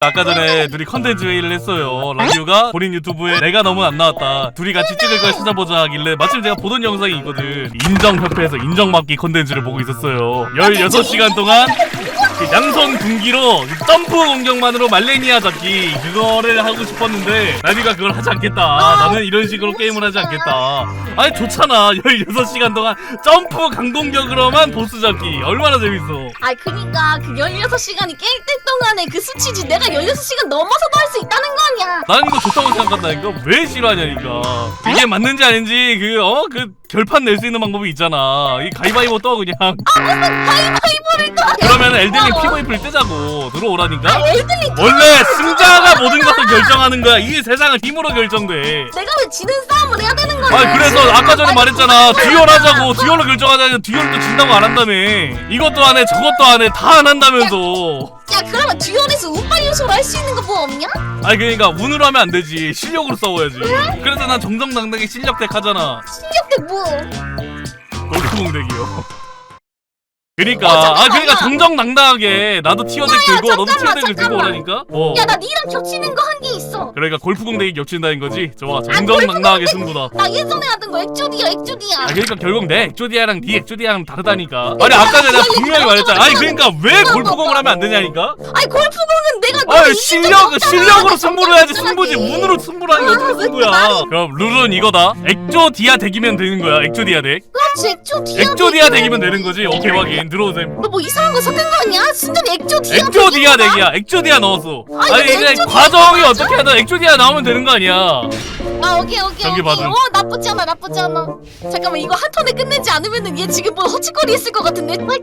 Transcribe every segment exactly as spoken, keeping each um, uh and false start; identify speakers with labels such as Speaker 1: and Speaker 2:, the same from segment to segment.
Speaker 1: 아까 전에 둘이 컨텐츠 회의를 했어요. 랑규가 본인 유튜브에 내가 너무 안 나왔다, 둘이 같이 찍을 걸 찾아보자 하길래 마침 제가 보던 영상이 있거든. 인정협회에서 인정받기 컨텐츠를 보고 있었어요. 열여섯 시간 동안 그 양손 군기로 점프 공격만으로 말레니아 잡기, 그거를 하고 싶었는데 나니가 그걸 하지 않겠다, 나는 이런 식으로 게임을 하지 않겠다. 아니 좋잖아. 열여섯 시간 동안 점프 강공격으로만 보스 잡기 얼마나 재밌어.
Speaker 2: 아 그니까 그 열여섯 시간이 깰 때 동안에 그 수치지 내가 열여섯 시간 넘어서도 할 수 있다는 거 아니야.
Speaker 1: 나는 이거 좋다고 생각한다니까. 왜 싫어하냐니까. 이게 맞는지 아닌지 그 어 그 결판 낼 수 있는 방법이 있잖아. 이 가위바위보 떠 그냥.
Speaker 2: 아 무슨 가위바위보를 또 하냐.
Speaker 1: 그러면 엘든링 피브이피를 뜨자고. 들어오라니까.
Speaker 2: 아 엘든링
Speaker 1: 원래 승자가 모든 것을 결정하는 거야. 이 세상은 힘으로 결정돼.
Speaker 2: 내가 왜 지는 싸움을 해야 되는 거야.
Speaker 1: 아 그래서 아까 전에 말했잖아. 듀얼 하자고. 듀얼로 결정하자니 듀얼도 진다고 안 한다며. 이것도 안 해 저것도 안 해 다 안 한다면서.
Speaker 2: 야 그러면 듀얼에서 운빨 요소로 할 수 있는 거 뭐 없냐?
Speaker 1: 아니 그러니까 운으로 하면 안 되지. 실력으로 싸워야지. 그래서 난 정정당당히 실력덱 하잖아.
Speaker 2: 실력대 뭐?
Speaker 1: 골프공덱이요. 그니까 아 그러니까 정정당당하게 나도 티어덱 들고 너도 티어덱을 들고 오라니까. 어.
Speaker 2: 야 나 니랑 겹치는 거 한 개 있어.
Speaker 1: 그러니까 골프공덱이 겹친다는 거지. 좋아 정정당당하게 승부다.
Speaker 2: 나 예전에 하던 거 액조디야 액조디야.
Speaker 1: 아 그러니까 결국 내 액조디아랑 네 액조디아랑 다르다니까. 아니 아까 전에 내가 분명히 말했잖아. 아니 그러니까 왜 골프공을 하면 안 되냐니까.
Speaker 2: 아니 골프공은 내가
Speaker 1: 아 실력 실력으로 승부를 해야지. 승부지 운으로 승부를 하는 게 어떻게 승부야. 그럼 룰은 이거다. 액조디아 덱이면 되는 거야. 액조디아 덱.
Speaker 2: 그렇지 액조디아.
Speaker 1: 액조디아 덱이면 되는 거지. 오케이 확인. 들어오세요.
Speaker 2: 너 뭐 이상한 거 섞은 거 아니야? 순전히 액조디아.
Speaker 1: 액조디아 덱이야. 액조디아 넣었어.
Speaker 2: 아니,
Speaker 1: 아니 이제
Speaker 2: 액조디아
Speaker 1: 과정이 어떻게 하든 액조디아 나오면 되는 거 아니야.
Speaker 2: 아 오케이 오케이
Speaker 1: 저기
Speaker 2: 오케이.
Speaker 1: 봐도.
Speaker 2: 어 나쁘지 않아 나쁘지 않아. 잠깐만 이거 한 턴에 끝내지 않으면은 얘 지금 뭐 허짓거리 했을 것 같은데. 빨강.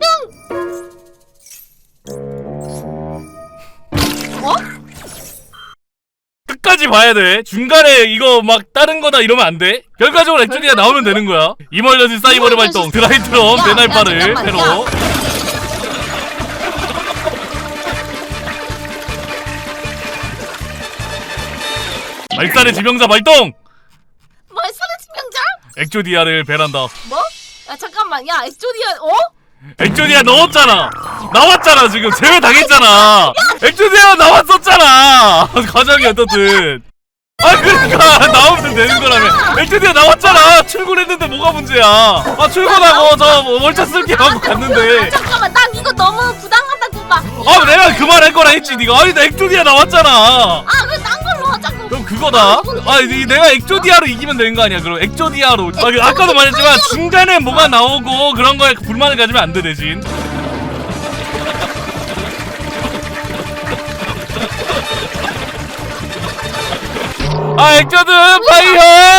Speaker 2: 어?
Speaker 1: 끝까지 봐야 돼. 중간에 이거 막 다른 거다 이러면 안 돼. 결과적으로 액조디아 나오면 되는 거야. 이멀전시 사이버를 발동. 드라이트럼
Speaker 2: 야,
Speaker 1: 배날파를
Speaker 2: 야, 잠깐만,
Speaker 1: 새로.
Speaker 2: 야.
Speaker 1: 말살의 지명자 발동.
Speaker 2: 말살의 치명자?
Speaker 1: 액조디아를 배란다.
Speaker 2: 뭐? 야 잠깐만 야 액조디아 어?
Speaker 1: 액조디아 넣었잖아. 나왔잖아 지금. 제외 당했잖아. 액조디아 나왔었잖아. 과정이 어떻든. 아 그러니까 나오면 되는 거라며. 액조디아 나왔잖아. 출근했는데 뭐가 문제야. 아 출근하고 저 월차 쓸게 하고 갔는데.
Speaker 2: 잠깐만 난 이거 너무 부당하다고 봐.
Speaker 1: 아 내가 그 말 할 거라 했지 니가. 아니 나 액조디아 나왔잖아.
Speaker 2: 아 왜 딴 걸로 하자고.
Speaker 1: 그럼 그거다. 아 이, 내가 액조디아로 이기면 되는 거 아니야. 그럼 액조디아로. 아, 그, 아까도 말했지만 중간에 뭐가 나오고 그런 거에 불만을 가지면 안 돼 대신. 아 액조드 파이어.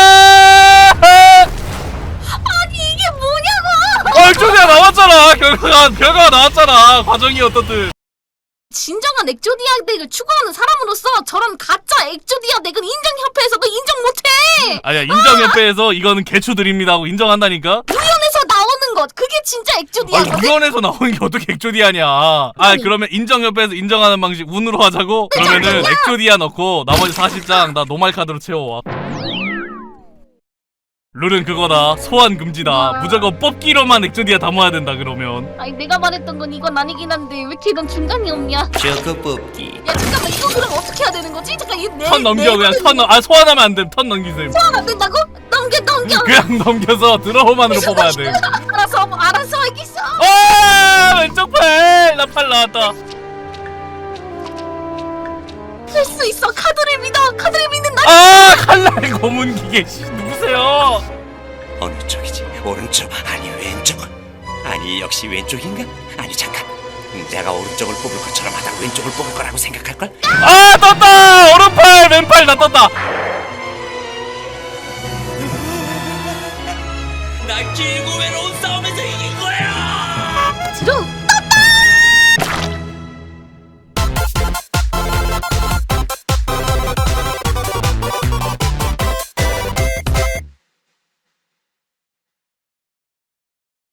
Speaker 2: 아니 이게 뭐냐고.
Speaker 1: 아 액조디아 나왔잖아. 결과가 결과가 나왔잖아. 과정이 어떻든.
Speaker 2: 진정한 액조디아 덱을 추구하는 사람으로서 저런 가짜 액조디아 덱은 인정협회에서도 인정 못해.
Speaker 1: 아니야 인정협회에서 이거는 개추드립니다 하고 인정한다니까.
Speaker 2: 우연에서 나오는 것 그게 진짜 액조디아.
Speaker 1: 아 유연에서 나오는 게 어떻게 액조디아냐. 아 그러면 인정협회에서 인정하는 방식 운으로 하자고. 그러면은 액조디아 넣고 나머지 사십 장 나 노말 카드로 채워와. 룰은 그거다. 소환 금지다. 무조건 뽑기로만 액조디아 담아야 된다. 그러면
Speaker 2: 아니 내가 말했던 건 이건 아니긴 한데 왜 이렇게 넌 중간이 없냐?
Speaker 3: 저거 뽑기.
Speaker 2: 야 잠깐만 이거 그럼 어떻게 해야 되는 거지? 잠깐 이내
Speaker 1: 턴 넘겨. 그냥 턴 넘.. 아 소환하면 안 돼. 턴 넘기세요.
Speaker 2: 소환 안 된다고? 넘겨 넘겨.
Speaker 1: 그냥 넘겨서 드로우만으로 뽑아야 돼.
Speaker 2: 알아서 알아서 알겠어.
Speaker 1: 아 왼쪽 팔. 나 팔 나왔다.
Speaker 2: 할 수 있어. 카드를 믿어. 카드를 믿는다.
Speaker 1: 아 칼날 고문 기계. 씨, 누구세요?
Speaker 3: 어느 쪽이지? 오른쪽 아니 왼쪽? 아니 역시 왼쪽인가? 아니 잠깐. 내가 오른쪽을 뽑을 것처럼 하다 왼쪽을 뽑을 거라고 생각할걸?
Speaker 1: 아 떴다. 오른팔 왼팔 다 떴다.
Speaker 3: 나 길고 외로운 싸움에서 이긴 거야!